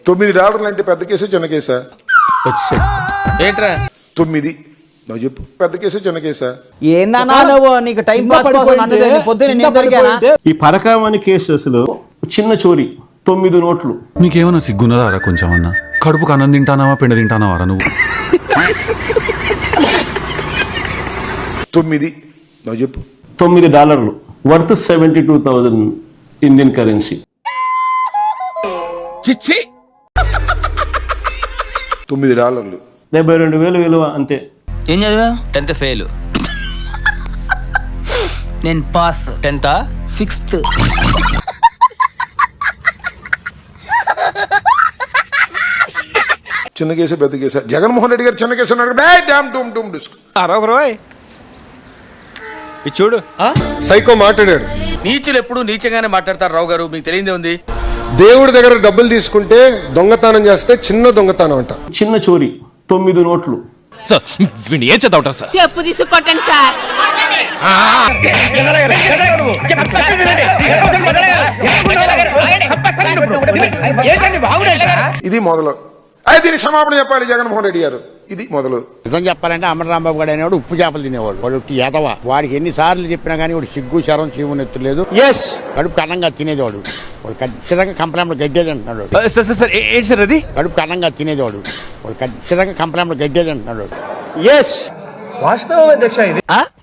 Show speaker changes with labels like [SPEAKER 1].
[SPEAKER 1] $9 అంటే పెద్ద కేసా చిన్న కేసా?
[SPEAKER 2] ఏంట్రా
[SPEAKER 1] 9 నువ్వు చెప్పు, పెద్ద కేసా చిన్న కేసా?
[SPEAKER 3] ఏందన్నా నువ్వు నీకు టైం పాస్ కోసం నన్ను పొద్దున్న నేను దొరికానా?
[SPEAKER 4] ఈ పరకామణి కేసెస్లో చిన్న చోరీ 9 నోట్లు.
[SPEAKER 5] నీకేమన్నా సిగ్గున్నదారా కొంచెం అన్నా? కడుపుకు అన్నం తింటానావా పిండ తింటానావారా నువ్వు?
[SPEAKER 1] 9 నువ్వు చెప్పు.
[SPEAKER 4] $9 వర్త్ 72,000 ఇండియన్ కరెన్సీ.
[SPEAKER 2] చిచ్చి
[SPEAKER 1] $9
[SPEAKER 4] 72,000 విలువ అంతే.
[SPEAKER 6] ఏం చదివా? 10th fail. నేను పాస్. 10th 6th.
[SPEAKER 1] చిన్న కేసా పెద్ద కేసా? జగన్మోహన్ రెడ్డి గారు చిన్న కేసు
[SPEAKER 2] అరొకరోయ్ ఇది చూడు.
[SPEAKER 7] సైకో మాట్లాడాడు.
[SPEAKER 2] నీచులు ఎప్పుడు నీచంగానే మాట్లాడతారు రావు గారు, మీకు తెలియదే ఉంది.
[SPEAKER 7] దేవుడి దగ్గర డబ్బులు తీసుకుంటే దొంగతనం చేస్తే చిన్న దొంగతనం అంట.
[SPEAKER 4] చిన్న చోరీ 9 నోట్లు.
[SPEAKER 5] సార్ వీడిని ఏం చేద్దా ఉంటారు సార్?
[SPEAKER 8] చెప్పు తీసుకొట్టండి సార్.
[SPEAKER 1] ఇది మొదలు. అయితే దీనికి క్షమాపణ చెప్పాలి జగన్మోహన్ రెడ్డి గారు. ఇది మొదలు.
[SPEAKER 9] నిజం చెప్పాలంటే అమరరాంబాబు గారు అనేవాడు ఉప్పు చేపలు తినేవాడు. వాడు ఎదవ. వాడికి ఎన్నిసార్లు చెప్పినా కానీ వాడు సిగ్గు శరం చీవునెత్తలేదు. కడుపు కన్నంగా తినేదేవాడు. వాడు ఖచ్చితంగా కంప్లైంట్ గడ్డేది అంటున్నాడు.
[SPEAKER 2] ఏంటి సార్ అది?
[SPEAKER 9] కడుపు కన్నంగా తినేదేవాడు. వాడు ఖచ్చితంగా కంప్లైంట్ గడ్డేది అంటున్నాడు.
[SPEAKER 10] వాస్తవం అధ్యక్ష ఇది.